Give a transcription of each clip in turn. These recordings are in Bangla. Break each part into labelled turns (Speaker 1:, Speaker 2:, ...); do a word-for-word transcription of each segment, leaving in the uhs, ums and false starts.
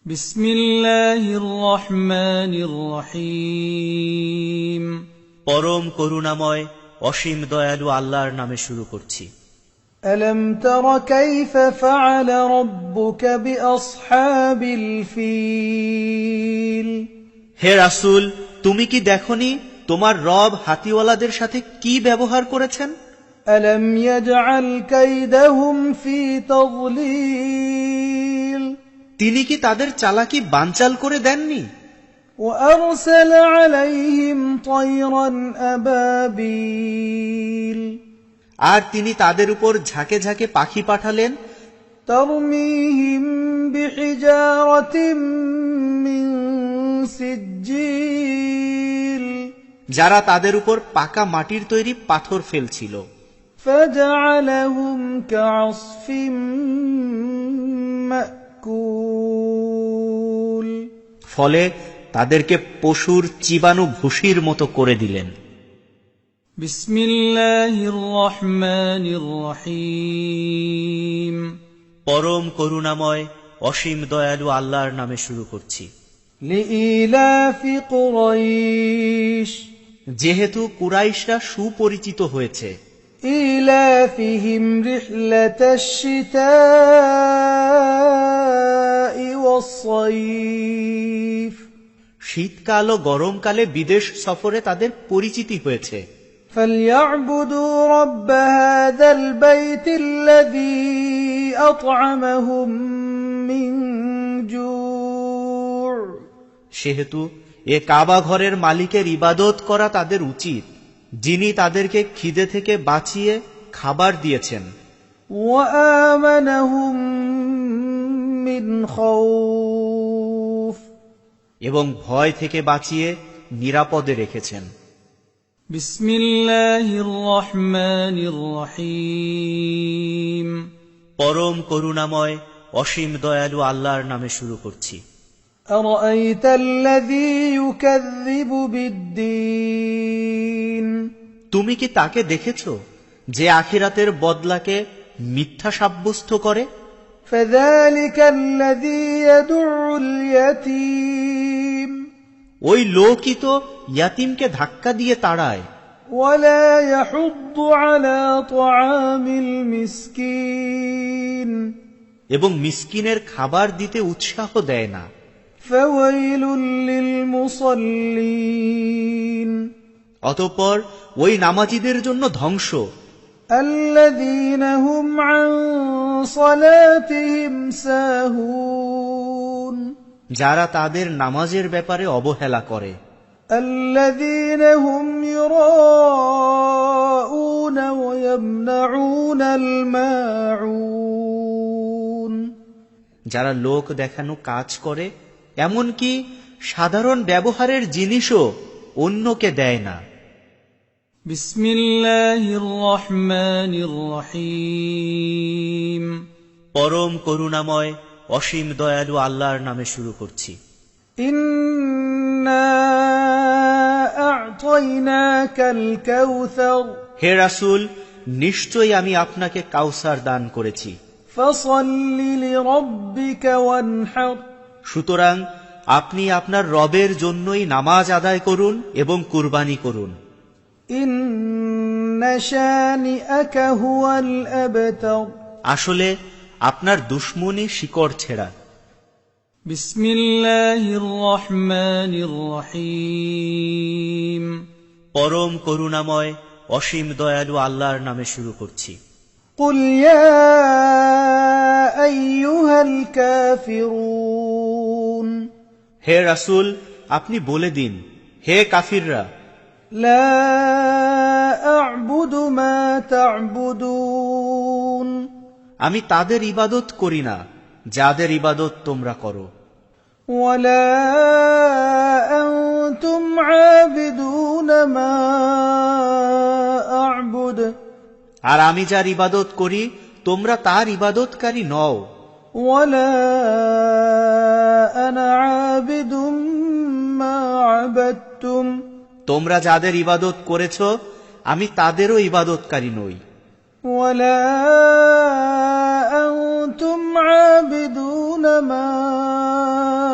Speaker 1: বিসমিল্লাহির রহমানির রহিম।
Speaker 2: পরম করুণাময় অসীম দয়ালু আল্লাহর নামে শুরু করছি।
Speaker 1: আলম তারা কাইফা ফাআলা রাব্বুকা বিআসহাবিল ফিল।
Speaker 2: হে রাসূল, তুমি কি দেখনি তোমার রব হাতিওয়ালাদের সাথে কি ব্যবহার করেছেন?
Speaker 1: আলম ইয়াজআল কাইদাহুম ফি তাযলিল।
Speaker 2: তিনি কি তাদের চালাকি বানচাল করে দেননি?
Speaker 1: وأرسل عليهم طيرا أبابيل।
Speaker 2: আর তিনি তাদের উপর ঝাঁকে ঝাঁকে পাখি পাঠালেন।
Speaker 1: ترميهم بحجارة من سجيل।
Speaker 2: যারা তাদের উপর পাকা মাটির তৈরি পাথর ফেলছিল।
Speaker 1: فجعلهم كعصف مأكول।
Speaker 2: ফলে তাদেরকে পশুর চিবানো ভুসির মতো করে দিলেন।
Speaker 1: বিসমিল্লাহির রহমানির রহিম।
Speaker 2: পরম করুণাময় অসীম দয়ালু আল্লাহর নামে শুরু করছি।
Speaker 1: লিইলাফি কুরাইশ।
Speaker 2: যেহেতু কুরাইশরা সুপরিচিত হয়েছে।
Speaker 1: ইলাফিহিম রিহলাতাশ শিতাই ওয়াস-সাইফ।
Speaker 2: শীতকাল ও গরমকালে বিদেশ সফরে তাদের পরিচিতি হয়েছে।
Speaker 1: فَلْيَعْبُدُوا رَبَّ هَذَا الْبَيْتِ الَّذِي أَطْعَمَهُم مِّن جُوعٍ।
Speaker 2: সেহেতু এ কাবা ঘরের মালিকের ইবাদত করা তাদের উচিত, যিনি তাদেরকে খিদে থেকে বাঁচিয়ে খাবার দিয়েছেন।
Speaker 1: وَآمَنَهُم مِّنْ خَوْفٍ।
Speaker 2: এবং ভয় থেকে বাঁচিয়ে নিরাপদে রেখেছেন।
Speaker 1: বিসমিল্লাহির রহমানির রহিম।
Speaker 2: পরম করুণাময় অসীম দয়ালু আল্লাহর নামে শুরু করছি।
Speaker 1: আরাআইতাল্লাযী ইউকাযযিবু বিদ্দীন।
Speaker 2: তুমি কি তাকে দেখেছো যে আখিরাতের বদলাকে মিথ্যা সাব্যস্ত করে?
Speaker 1: ফাযালিকাল্লাযী ইয়াদুউল ইয়াতীম।
Speaker 2: ওই লোকই তো ইয়াতিমকে ধাক্কা দিয়ে তাড়ায়।
Speaker 1: ওয়ালা ইয়াহুদ্দু আলা তুআমিল মিসকিন।
Speaker 2: এবং মিসকিনের খাবার দিতে উৎসাহ দেয় না।
Speaker 1: ফাওয়াইলুল লিল মুসাল্লিন।
Speaker 2: অতঃপর ওই নামাজীদের জন্য ধ্বংস।
Speaker 1: আল্লাযীনা হুম আন সালাতিহিম সাহুন।
Speaker 2: যারা তাদের নামাজের ব্যাপারে অবহেলা করে।
Speaker 1: আল্লাযীনা হুম ইউরাউনা ওয়া ইয়ামনাউনাল মাউন।
Speaker 2: যারা লোক দেখানো কাজ করে, এমনকি সাধারণ ব্যবহারের জিনিসও অন্যকে দেয় না।
Speaker 1: বিসমিল্লাহির রহমানির রহিম।
Speaker 2: পরম করুণাময় অসীম দয়ালু আল্লাহর নামে শুরু করছি।
Speaker 1: ইন্না আ'তাইনাকাল কাউসার।
Speaker 2: হে রাসূল, নিশ্চয়ই আমি আপনাকে কাউসার দান করেছি।
Speaker 1: ফাসাল্লি লিরাব্বিকা ওয়ানহার।
Speaker 2: সুতরাং আপনি আপনার রবের জন্যই নামাজ আদায় করুন এবং কুরবানি করুন।
Speaker 1: ইন্না শানিআকা হুয়াল আবতার।
Speaker 2: আসলে আপনার দুশমনই শিকড় ছেঁড়া।
Speaker 1: বিসমিল্লাহির রহমানির রহিম।
Speaker 2: পরম করুণাময় অসীম দয়ালু আল্লাহর নামে শুরু করছি।
Speaker 1: কুল ইয়া আইয়ুহাল কাফিরুন।
Speaker 2: হে রাসূল, আপনি বলে দিন, হে কাফিররা,
Speaker 1: লা আ'বুদু মা তা'বুদুন।
Speaker 2: আমি তাদের ইবাদত করি না যাদের ইবাদত তোমরা করো।
Speaker 1: ওয়ালা আনতুম আবিদুনা মা আ'বুদ।
Speaker 2: আর আমি যার ইবাদত করি তোমরা তার ইবাদতকারী নও।
Speaker 1: ওয়ালা আনা আবিদুম মা আবাদতুম।
Speaker 2: তোমরা যাদের ইবাদত করেছ আমি তাদেরও ইবাদতকারী নই।
Speaker 1: ওয়ালা আনতুম আবিদুনা মা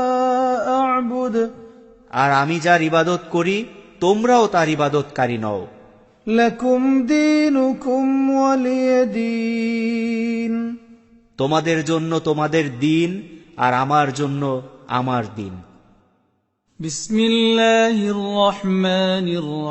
Speaker 2: আর আমি যার ইবাদত করি তোমরাও তার ইবাদতকারী নও।
Speaker 1: لكم دينكم ولي دين
Speaker 2: তোমাদের জন্য তোমাদের দিন আর আমার জন্য আমার দিন।
Speaker 1: بسم الله الرحمن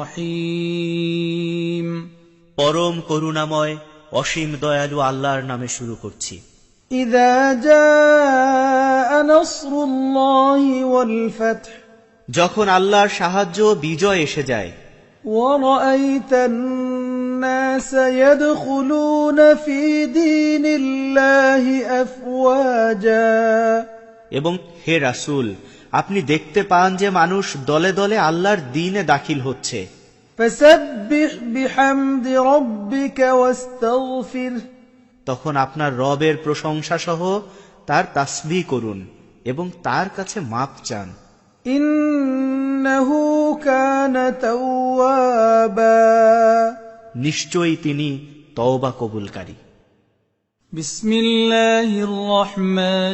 Speaker 1: الرحيم
Speaker 2: পরম করুণাময় অসীম দয়ালু আল্লাহর নামে শুরু করছি।
Speaker 1: إذا جاء نصر الله والفتح
Speaker 2: যখন আল্লাহর সাহায্য ও বিজয় এসে যায়,
Speaker 1: ورأيت الناس يدخلون في دين الله أفواجا
Speaker 2: এবং হে রাসূল, আপনি দেখতে পান যে মানুষ দলে দলে আল্লাহর দ্বীনে দাখিল হচ্ছে।
Speaker 1: فسبح بحمد ربك واستغفره
Speaker 2: তখন আপনার রবের প্রশংসা সহ তার তাসবিহ করুন এবং তার কাছে মাপ চান।
Speaker 1: إنه كان توابا
Speaker 2: নিশ্চয়ই তিনি তওবা কবুলকারী।
Speaker 1: بسم الله الرحمن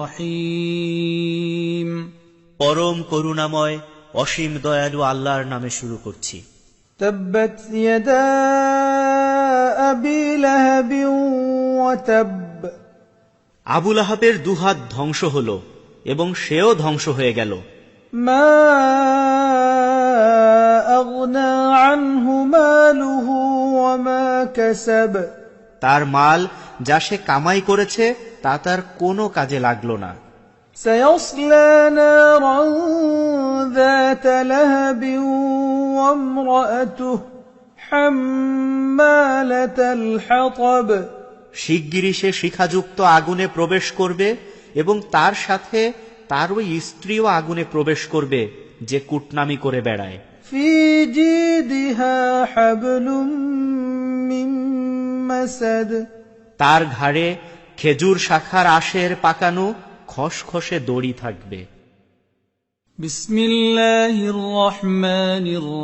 Speaker 1: الرحيم
Speaker 2: পরম করুণাময় অসীম দয়ালু আল্লাহর নামে শুরু করছি।
Speaker 1: تبت يدا أبي لهب وتب
Speaker 2: আবু লাহাবের দুহাত ধ্বংস হল এবং সেও ধ্বংস হয়ে গেল।
Speaker 1: ما أغنى عنه ماله وما كسب
Speaker 2: তার মাল যা সে কামাই করেছে তা তার কোনো কাজে লাগলো না।
Speaker 1: سيصلى نارا ذات لهب وامرأته حمالة الحطب
Speaker 2: শিগগিরই সে শিখাযুক্ত আগুনে প্রবেশ করবে এবং তার সাথে তার ওই স্ত্রীও আগুনে প্রবেশ করবে যে কুটনামি করে বেড়ায়।
Speaker 1: في جيدها حبل من مسد
Speaker 2: তার ঘাড়ে খেজুর শাখার আশের পাকানো খসখসে দড়ি থাকবে।
Speaker 1: بسم الله الرحمن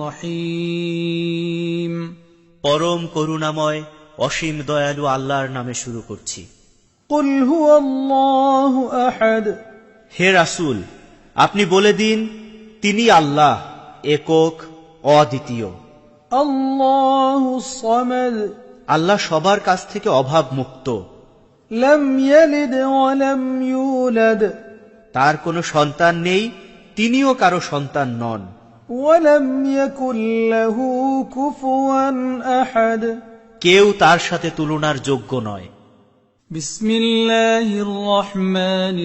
Speaker 1: الرحيم
Speaker 2: পরম করুণাময় অসীম দয়ালু আল্লাহর নামে শুরু করছি।
Speaker 1: قل هو الله أحد
Speaker 2: হে রাসূল, আপনি বলে দিন তিনি আল্লাহ, একক, অদ্বিতীয়।
Speaker 1: الله الصمد
Speaker 2: আল্লাহ সবার কাছ থেকে অভাব মুক্ত।
Speaker 1: لم يلد ولم يولد
Speaker 2: তার কোনো সন্তান নেই, তিনিও কারো সন্তান নন।
Speaker 1: ولم يكن له كفوا أحد
Speaker 2: কেউ তার সাথে তুলনার যোগ্য নয়।
Speaker 1: بسم الله الرحمن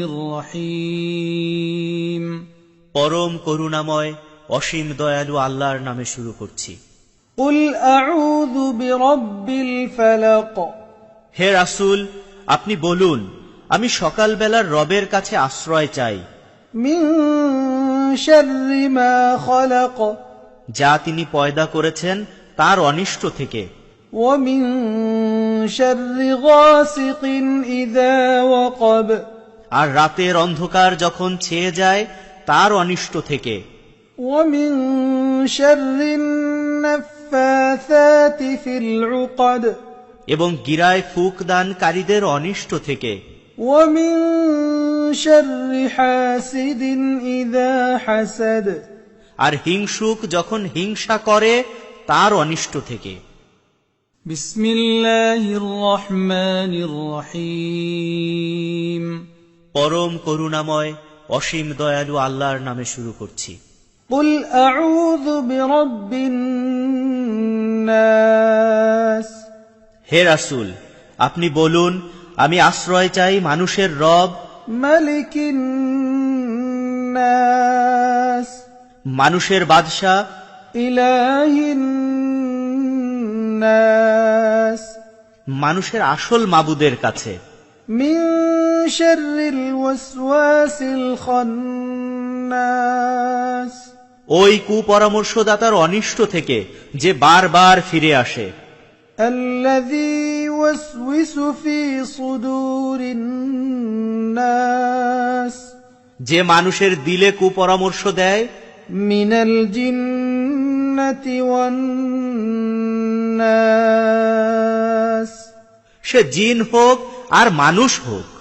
Speaker 1: الرحيم
Speaker 2: পরম করুণাময় অসীম দয়ালু আল্লাহর নামে শুরু করছি।
Speaker 1: قل أعوذ برب الفلق
Speaker 2: হে রাসূল, আপনি বলুন আমি সকালবেলার রবের কাছে আশ্রয় চাই,
Speaker 1: من شر ما خلق
Speaker 2: যা তিনি পয়দা করেছেন তার অনিষ্ট থেকে,
Speaker 1: ومن شر غاسق إذا وقب
Speaker 2: আর রাতের অন্ধকার যখন ছেয়ে যায় তার অনিষ্ট থেকে,
Speaker 1: ومن شر النفاثات في العقد
Speaker 2: এবং গিরায় ফুক দানকারীদের অনিষ্ট থেকে,
Speaker 1: ومن شر حاسد إذا حسد
Speaker 2: আর হিংসুক যখন হিংসা করে তার অনিষ্ট থেকে।
Speaker 1: بسم الله الرحمن الرحيم
Speaker 2: পরম করুণাময় অসীম দয়ালু আল্লাহর নামে শুরু করছি।
Speaker 1: قل أعوذ برب الناس
Speaker 2: হে রাসূল, আপনি বলুন আমি আশ্রয় চাই মানুষের রব,
Speaker 1: ملك الناس
Speaker 2: মানুষের বাদশা,
Speaker 1: إله الناس
Speaker 2: মানুষের আসল মাবুদের কাছে,
Speaker 1: من شر الوسواس الخناس
Speaker 2: ওই কুপরামর্শদাতার অনিষ্ট থেকে যে বারবার ফিরে আসে,
Speaker 1: الذي يوسوس في صدور الناس
Speaker 2: যে মানুষের দিলে কুপরামর্শ দেয়,
Speaker 1: من الجنة والناس
Speaker 2: সে জিন হোক আর মানুষ হোক।